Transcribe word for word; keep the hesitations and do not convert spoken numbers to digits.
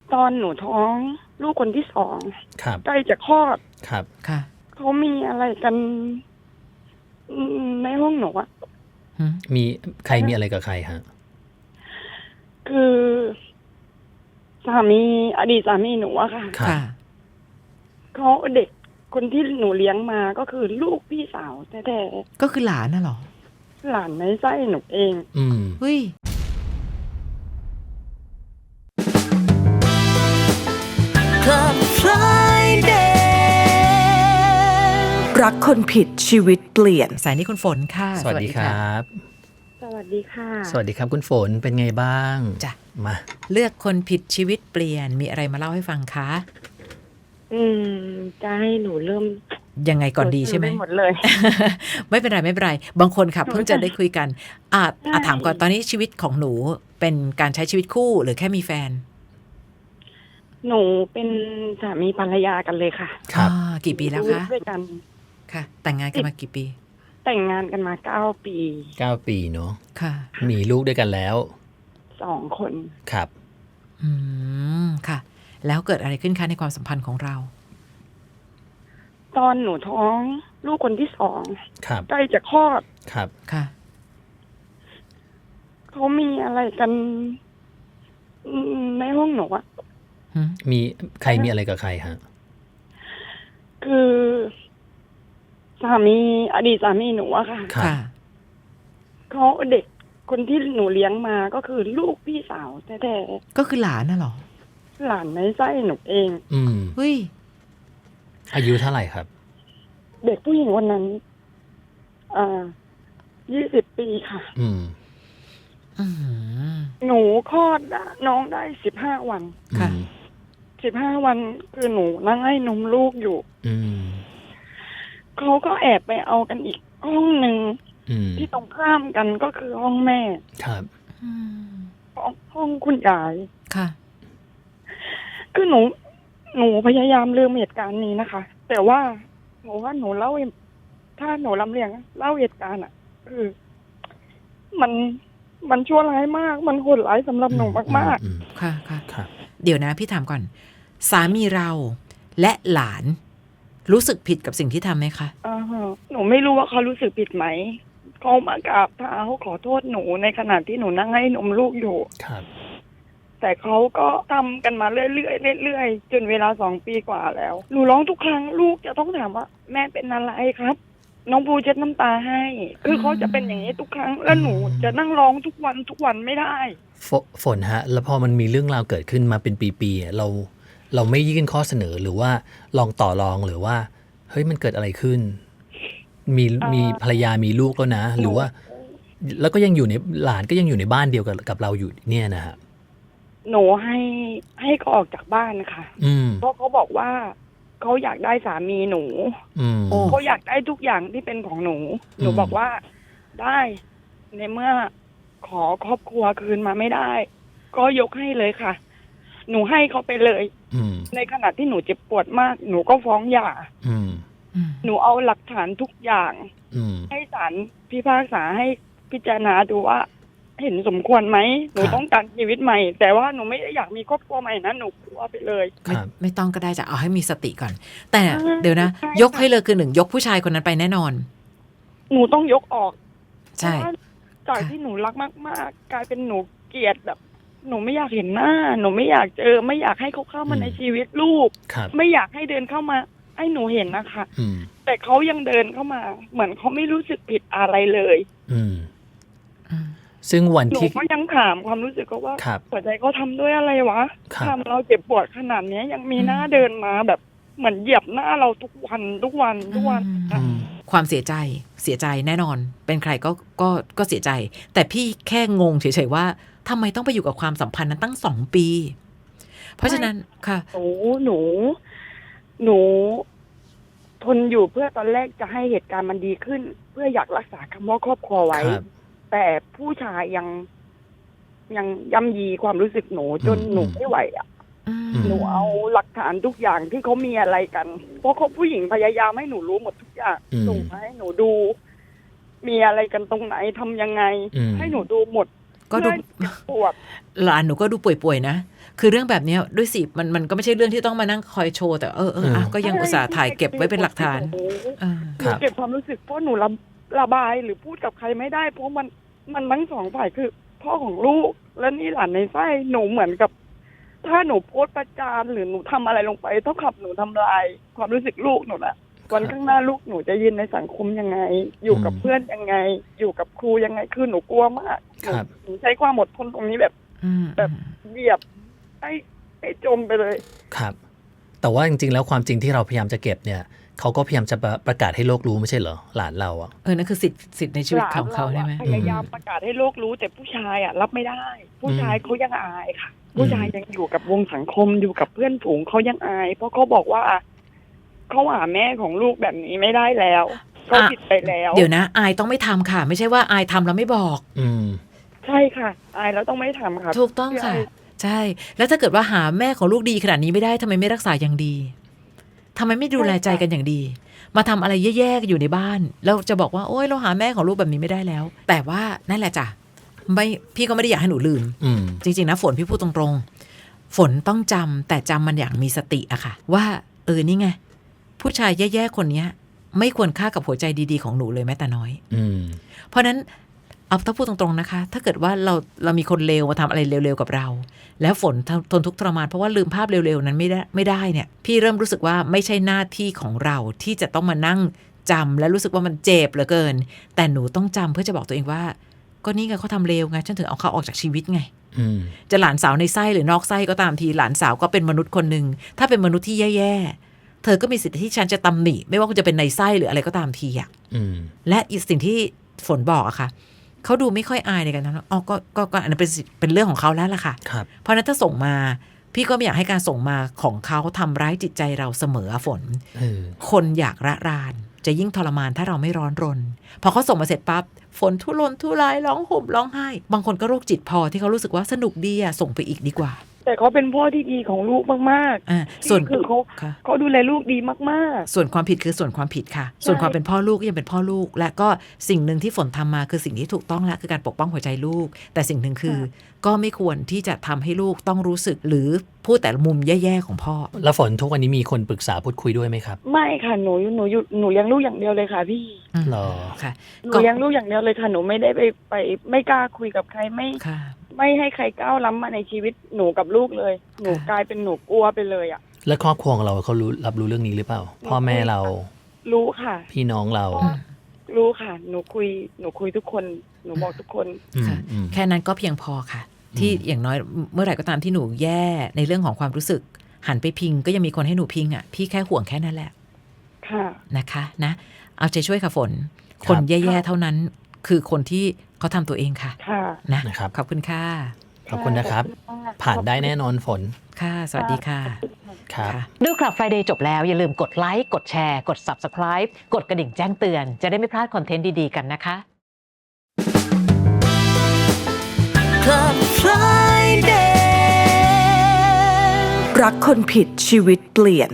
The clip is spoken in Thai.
ตอนหนูท้องลูกคนที่สองครับใกล้จะคลอดครับค่ะเขามีอะไรกันอืมในห้องหนูอะหืมมีใครมีอะไรกับใครฮะคือสามีอดีตสามีหนูอะค่ะครับค่ะเขาเด็กคนที่หนูเลี้ยงมาก็คือลูกพี่สาวแท้ก็คือหลานน่ะเหรอๆหลานในไส้หนูเองอืมเฮ้ย Club Friday รักคนผิดชีวิตเปลี่ยนสายนี้คุณฝนค่ะสวัสดีครับสวัสดีค่ะสวัสดีครับคุณฝนเป็นไงบ้างจ้ะมาเลือกคนผิดชีวิตเปลี่ยนมีอะไรมาเล่าให้ฟังคะอืมจะให้หนูเริ่มยังไงก่อนดีใช่ไหมปหมดเลยไม่เป็นไรไม่เป็นไรบางคนค่ะหนูเพิ่งจะได้คุยกันอ่ะใช่อ่ะถามก่อนตอนนี้ชีวิตของหนูเป็นการใช้ชีวิตคู่หรือแค่มีแฟนหนูเป็นสามีภรรยากันเลยค่ะครับอ่ากี่ปีแล้วคะด้วยกันค่ะ แต่งงานกันมากี่ปีแต่งงานกันมาเก้าปีเก้าปีเนาะค่ะมีลูกด้วยกันแล้วสองคนครับอืมค่ะ แล้วเกิดอะไรขึ้นคะในความสัมพันธ์ของเราตอนหนูท้องลูกคนที่สองครับใกล้จะคลอดครับค่ะเขามีอะไรกันอืมในห้องหนูอะหืมมีใครมีอะไรกับใครฮะคือสามีอดีตสามีหนูอะค่ะครับค่ะเขาเด็กคนที่หนูเลี้ยงมาก็คือลูกพี่สาวแท้ก็คือหลานน่ะเหรอๆหลานในไส้หนูเองอืมเฮ้ยอายุเท่าไหร่ครับเด็กผู้หญิงคนนั้นอ่ายี่สิบปีค่ะอืมอืมหนูคลอดอะน้องได้สิบห้าวันค่ะอืมสิบห้าวันคือหนูนั่งให้นมลูกอยู่อืมเขาก็แอบไปเอากันอีกห้องหนึ่งอืมที่ตรงข้ามกันก็คือห้องแม่ครับอืมห้องห้องคุณยายค่ะคือหนู หนูพยายามลืมเหตุการณ์นี้นะคะ แต่ว่าหนูว่าหนูเล่าถ้าหนูลำเลียงเล่าเหตุการณ์อ่ะ คือ มันมันชั่วร้ายมาก มันโหดร้ายสำหรับหนูมากอืมค่ะค่ะครับเดี๋ยวนะพี่ถามก่อน สามีเราและหลานรู้สึกผิดกับสิ่งที่ทำไหมคะๆอ่าฮะหนูไม่รู้ว่าเขารู้สึกผิดไหมเขามากราบเท้าขอโทษหนูในขณะที่หนูนั่งให้นมลูกอยู่ครับแต่เขาก็ทำกันมาเรื่อยๆเรื่อยๆจนเวลาสองปีกว่าแล้ว หนูร้องทุกครั้งลูกจะต้องถามว่า แม่เป็นอะไรครับ น้องภูเช็ดน้ำตาให้ คือเขาจะเป็นอย่างนี้ทุกครั้ง แล้วหนูจะนั่งร้องทุกวันทุกวันไม่ได้ฝฝนฮะ แล้วพอมันมีเรื่องราวเกิดขึ้นมาเป็นปีๆอ่ะเรา เราไม่ยื่นข้อเสนอหรือว่าลองต่อรองหรือว่า เฮ้ยมันเกิดอะไรขึ้น มีเอ่อมีภรรยามีลูกแล้วนะ หรือว่า แล้วก็ยังอยู่ในหลานก็ยังอยู่ในบ้านเดียวกับกับเราอยู่เนี่ยนะฮะหนูให้ให้เขาออกจากบ้านค่ะอืมเพราะเขาบอกว่าเขาอยากได้สามีหนูอืมโอ้เขาอยากได้ทุกอย่างที่เป็นของหนู หนูอืมบอกว่าได้ในเมื่อขอครอบครัวคืนมาไม่ได้ ก็ยกให้เลยค่ะ หนูให้เขาไปเลยอืมในขณะที่หนูเจ็บปวดมาก หนูก็ฟ้องหย่าอืมอืมหนูเอาหลักฐานทุกอย่างอืมให้ศาลพิพากษาให้พิจารณาดูว่า เห็นสมควรไหม หนูครับต้องการชีวิตใหม่ แต่ว่าหนูไม่ได้อยากมีครอบครัวใหม่นะหนูกลัวไปเลยคไม่รับไม่ต้องก็ได้จะเอาให้มีสติก่อน แต่อ่าเดี๋ยวนะใช่ยกให้เลยคือหนึ่งยกผู้ชายคนนั้นไปแน่นอนหนูต้องยกออกใช่เพราะว่าจากค่ะที่หนูรักมากๆ กลายเป็นหนูเกลียดแบบ หนูไม่อยากเห็นหน้า หนูไม่อยากเจอ ไม่อยากให้เขาเข้ามาอืมในชีวิตลูกครับไม่อยากให้เดินเข้ามา ให้หนูเห็นนะคะอืมแต่เขายังเดินเข้ามา เหมือนเขาไม่รู้สึกผิดอะไรเลยอืมอืมซึ่งวันหนูที่ก็ยังถามความรู้สึกเขาว่าครับหัวใจเขาทำด้วยอะไรวะครับทำเราเจ็บปวดขนาดเนี้ยยังมีหน้าเดินมาแบบเหมือนเหยียบหน้าเราทุกวันทุกวันทุกวันอืมความเสียใจเสียใจแน่นอน เป็นใครก็ก็ก็เสียใจ แต่พี่แค่งงเฉยๆว่าทำไมต้องไปอยู่กับความสัมพันธ์นั้นตั้งสองปี เพราะฉะนั้นค่ะหนูหนู หนู ทนอยู่เพื่อตอนแรกจะให้เหตุการณ์มันดีขึ้น เพื่ออยากรักษาคำว่าครอบครัวไว้ครับแต่ผู้ชายยังยังย่ำยีความรู้สึกหนูจนอืมหนูไม่ไหวอ่ะอืมหนูเอาหลักฐานทุกอย่างที่เขามีอะไรกัน เพราะเขาผู้หญิงพยายามให้หนูรู้หมดทุกอย่างอืมส่งมาให้หนูดู มีอะไรกันตรงไหนทำยังไงอืมให้หนูดูหมดก็ดูเพื่อปวดหลานหนูก็ดูป่วยๆนะคือเรื่องแบบเนี้ยด้วยสิมันมันก็ไม่ใช่เรื่องที่ต้องมานั่งคอยโชว์แต่เออเอออ่ะก็ยังอุตส่าห์ถ่ายเก็บไว้เป็นหลักฐานเออหนูเก็บความรู้สึกเพราะหนูระระบายหรือพูดกับใครไม่ได้เพราะมันมันทั้งสองฝ่ายคือพ่อของลูกและนี่หลานในไส้หนูเหมือนกับ ถ้าหนูโพสต์ประจานหรือหนูทำอะไรลงไปเท่ากับหนูทำลายความรู้สึกลูกหนูละวันข้างหน้าลูกหนูจะยืนในสังคมยังไง อยู่กับเพื่อนยังไง อยู่กับครูยังไงคือหนูกลัวมากหนูใช้ความอดทนตรงนี้แบบแบบเหยียบให้ให้จมไปเลยครับแต่ว่าจริงๆแล้วความจริงที่เราพยายามจะเก็บเนี่ยเขาก็พยายามจะประกาศให้โลกรู้ไม่ใช่เหรอหลานเราอ่ะเออนั่นคือสิทธิ์สิทธิ์ในชีวิตของเขาใช่ไหมพยายามประกาศให้โลกรู้แต่ผู้ชายอ่ะรับไม่ได้ผู้ชายเขายังอายค่ะผู้ชายยังอยู่กับวงสังคมอยู่กับเพื่อนฝูงเขายังอายเพราะเขาบอกว่าเขาหาแม่ของลูกแบบนี้ไม่ได้แล้วเขาผิดไปแล้วเดี๋ยวนะอายต้องไม่ทำค่ะไม่ใช่ว่าอายทำแล้วไม่บอกอืมใช่ค่ะอายแล้วต้องไม่ทำค่ะถูกต้องค่ะใช่แล้วถ้าเกิดว่าหาแม่ของลูกดีขนาดนี้ไม่ได้ทำไมไม่รักษาอย่างดีทำไมไม่ดูแลใจกันอย่างดีมาทำอะไรแย่ๆอยู่ในบ้านแล้วจะบอกว่าโอ๊ยเราหาแม่ของลูกแบบนี้ไม่ได้แล้วแต่ว่านั่นแหละจ้ะไม่พี่ก็ไม่ได้อยากให้หนูลืมจริงๆนะฝนพี่พูดตรงๆฝนต้องจำแต่จำมันอย่างมีสติอะค่ะว่าเออนี่ไงผู้ชายแย่ๆคนนี้ไม่ควรค่ากับหัวใจดีๆของหนูเลยแม้แต่น้อยเพราะนั้นเอาถ้าพูดตรงๆนะคะถ้าเกิดว่าเราเรามีคนเลวมาทำอะไรเร็วๆกับเราแล้วฝนทนทุกข์ทรมานเพราะว่าลืมภาพเร็วๆนั้นไม่ได้ไม่ได้เนี่ยพี่เริ่มรู้สึกว่าไม่ใช่หน้าที่ของเราที่จะต้องมานั่งจำและรู้สึกว่ามันเจ็บเหลือเกินแต่หนูต้องจำเพื่อจะบอกตัวเองว่าก็นี่ไงเขาทำเลวไงฉันถึงเอาเขาออกจากชีวิตไงจะหลานสาวในไส้หรือนอกไส้ก็ตามทีหลานสาวก็เป็นมนุษย์คนหนึ่งถ้าเป็นมนุษย์ที่แย่ๆเธอก็มีสิทธิ์ที่ฉันจะตำหนิไม่ว่าคุณจะเป็นในไส้หรืออะไรก็ตามทีอ่ะและอีกสิ่งที่ฝนบอกอะค่ะเขาดูไม่ค่อยอายในการทำอ๋อก็ก็ก็อันนั้นเป็นเป็นเรื่องของเขาแล้วล่ะค่ะเพราะนั้นถ้าส่งมาพี่ก็ไม่อยากให้การส่งมาของเขาทำร้ายจิตใจเราเสมอฝนคนอยากระรานจะยิ่งทรมานถ้าเราไม่ร้อนรนพอเขาส่งมาเสร็จปั๊บฝนทุรนทุรายร้องห่มร้องไห้บางคนก็โรคจิตพอที่เขารู้สึกว่าสนุกดีอะส่งไปอีกดีกว่าแต่เขาเป็นพ่อที่ดีของลูกมากๆอ่าส่วนคือเขาเขาดูแลลูกดีมากๆส่วนความผิดคือส่วนความผิดค่ะส่วนความเป็นพ่อลูกก็ยังเป็นพ่อลูกและก็สิ่งหนึ่งที่ฝนทำมาคือสิ่งที่ถูกต้องแล้วคือการปกป้องหัวใจลูกแต่สิ่งหนึ่งคือก็ไม่ควรที่จะทำให้ลูกต้องรู้สึกหรือพูดแต่มุมแย่ๆของพ่อแล้วฝนทุกวันนี้มีคนปรึกษาพูดคุยด้วยไหมครับไม่ค่ะหนูหนูอยู่หนูเลี้ยงลูกอย่างเดียวเลยค่ะพี่หรอค่ะหนูเลี้ยงลูกอย่างเดียวเลยค่ะหนูไม่ได้ไปไปไม่กล้าคุยกับใครไม่ไม่ให้ใครก้าวล้ำมาในชีวิตหนูกับลูกเลยหนูกลายเป็นหนูกลัวไปเลยอ่ะแล้วครอบครัวของเราเขารู้รับรู้เรื่องนี้หรือเปล่าพ่อแม่เรารู้ค่ะพี่น้องเรารู้ค่ะหนูคุยหนูคุยทุกคนหนูบอกทุกคนค่ะแค่นั้นก็เพียงพอค่ะที่อย่างน้อยเมื่อไหร่ก็ตามที่หนูแย่ในเรื่องของความรู้สึกหันไปพิงก็ยังมีคนให้หนูพิงอ่ะพี่แค่ห่วงแค่นั้นแหละค่ะนะคะนะเอาใจช่วยค่ะฝนคนแย่ๆเท่านั้นคือคนที่เขาทำตัวเองค่ะค่ะนะขอบคุณค่ะขอบคุณนะครับผ่านได้แน่นอนฝนค่ะสวัสดีค่ะครับดู Club Friday จบแล้วอย่าลืมกดไลค์กดแชร์กด Subscribe กดกระดิ่งแจ้งเตือนจะได้ไม่พลาดคอนเทนต์ดีๆกันนะคะ Club Friday รักคนผิดชีวิตเปลี่ยน